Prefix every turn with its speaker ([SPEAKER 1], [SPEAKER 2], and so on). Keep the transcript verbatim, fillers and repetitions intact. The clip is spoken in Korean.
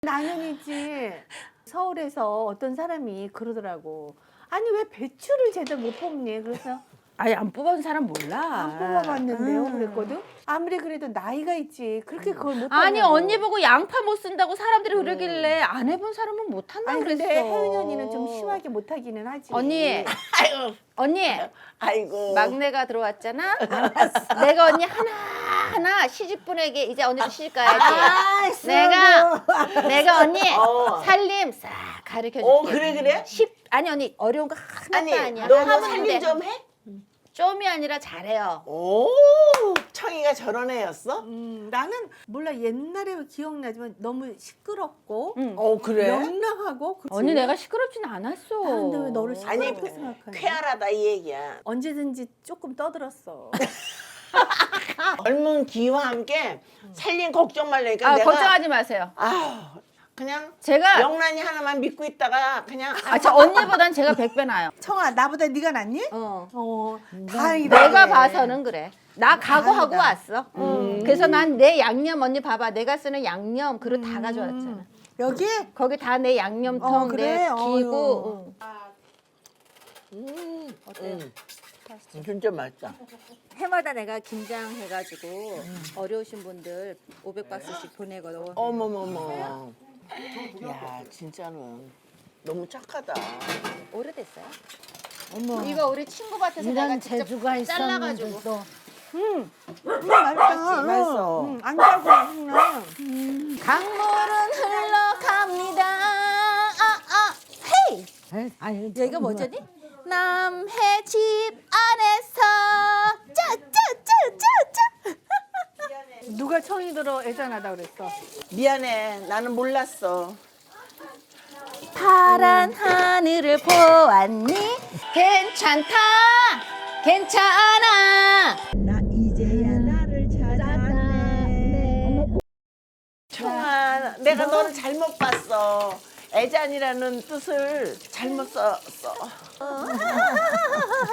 [SPEAKER 1] 나는이지. 서울에서 어떤 사람이 그러더라고. 아니 왜 배추를 제대로 못 뽑니? 그래서
[SPEAKER 2] 아예 안 뽑아본 사람 몰라.
[SPEAKER 1] 안 뽑아봤는데요.
[SPEAKER 2] 음.
[SPEAKER 1] 그랬거든. 아무리 그래도 나이가 있지. 그렇게 그걸 못
[SPEAKER 2] 아니
[SPEAKER 1] 하냐고.
[SPEAKER 2] 언니 보고 양파 못 쓴다고 사람들이 그러길래 안 해본 사람은 못 한다
[SPEAKER 1] 아니
[SPEAKER 2] 그랬어.
[SPEAKER 1] 근데 혜은이 언니는 좀 심하게 못하기는 하지.
[SPEAKER 2] 언니,
[SPEAKER 3] 아이고,
[SPEAKER 2] 언니
[SPEAKER 3] 아이고.
[SPEAKER 2] 막내가 들어왔잖아. 내가 언니 하나 하나 시집분에게 이제 언니도 시집 가야지. 내가 내가 언니
[SPEAKER 3] 어.
[SPEAKER 2] 살림 싹 가르쳐 줄게.
[SPEAKER 3] 어, 그래, 그래?
[SPEAKER 2] 쉽 아니 언니 어려운 거 하나도
[SPEAKER 3] 아니,
[SPEAKER 2] 아니야.
[SPEAKER 3] 너도
[SPEAKER 2] 하면
[SPEAKER 3] 살림
[SPEAKER 2] 돼.
[SPEAKER 3] 좀 해?
[SPEAKER 2] 좀이 아니라 잘해요.
[SPEAKER 3] 오, 청이가 저런 애였어?
[SPEAKER 1] 음, 나는 몰라 옛날에 기억나지만 너무 시끄럽고
[SPEAKER 2] 응.
[SPEAKER 3] 어, 그래?
[SPEAKER 1] 명랑하고 그치?
[SPEAKER 2] 언니 내가 시끄럽진 않았어.
[SPEAKER 1] 아, 근데 왜 너를
[SPEAKER 3] 아니,
[SPEAKER 1] 시끄럽게 생각하냐?
[SPEAKER 3] 쾌활하다 이 얘기야.
[SPEAKER 1] 언제든지 조금 떠들었어.
[SPEAKER 3] 젊은 기와 함께 살림 걱정 말라니까
[SPEAKER 2] 아
[SPEAKER 3] 내가
[SPEAKER 2] 걱정하지 마세요.
[SPEAKER 3] 아, 그냥
[SPEAKER 2] 제가
[SPEAKER 3] 명란이 하나만 믿고 있다가 그냥
[SPEAKER 2] 아, 저 언니보단 제가 백 배 나요.
[SPEAKER 1] 청아 나보다 네가 낫니?
[SPEAKER 2] 어.
[SPEAKER 1] 어 다행이다.
[SPEAKER 2] 내가
[SPEAKER 1] 그래.
[SPEAKER 2] 봐서는 그래. 나 각오하고
[SPEAKER 1] 다행이다.
[SPEAKER 2] 왔어. 그래서 난 내 양념 언니 봐봐. 내가 쓰는 양념 그릇 다 가져왔잖아.
[SPEAKER 1] 여기
[SPEAKER 2] 거기 다 내 양념통,
[SPEAKER 1] 어, 그래?
[SPEAKER 2] 내
[SPEAKER 1] 어휴.
[SPEAKER 2] 기구. 응.
[SPEAKER 3] 음,
[SPEAKER 2] 어때요?
[SPEAKER 3] 음, 진짜 맛있다.
[SPEAKER 2] 해마다 내가 김장해가지고 어려우신 분들 오백 박스씩 보내거든.
[SPEAKER 3] 어머머머. 야, 진짜는 너무 착하다.
[SPEAKER 2] 오래됐어요?
[SPEAKER 4] 어머,
[SPEAKER 2] 이거 우리 친구 밭에서 내가
[SPEAKER 4] 이런
[SPEAKER 2] 직접
[SPEAKER 4] 재주가
[SPEAKER 2] 잘라가지고.
[SPEAKER 4] 있었는데 또
[SPEAKER 1] 음, 맛있다.
[SPEAKER 3] 맛있어.
[SPEAKER 1] 음, 안 짜고 그냥.
[SPEAKER 2] 강물은 흘러갑니다. 아, 아, 헤이!
[SPEAKER 4] 에이, 아유,
[SPEAKER 2] 야, 이거
[SPEAKER 4] 정말.
[SPEAKER 2] 뭐지? 남해 집 안에서 짜짜짜짜짜.
[SPEAKER 1] 누가 청이 들어 애잔하다 그랬어.
[SPEAKER 3] 미안해, 나는 몰랐어.
[SPEAKER 2] 파란 하늘을 보았니? 괜찮다. 괜찮아.
[SPEAKER 3] 청아, 내가 너를 잘못 봤어. 애잔이라는 뜻을 잘못 썼어.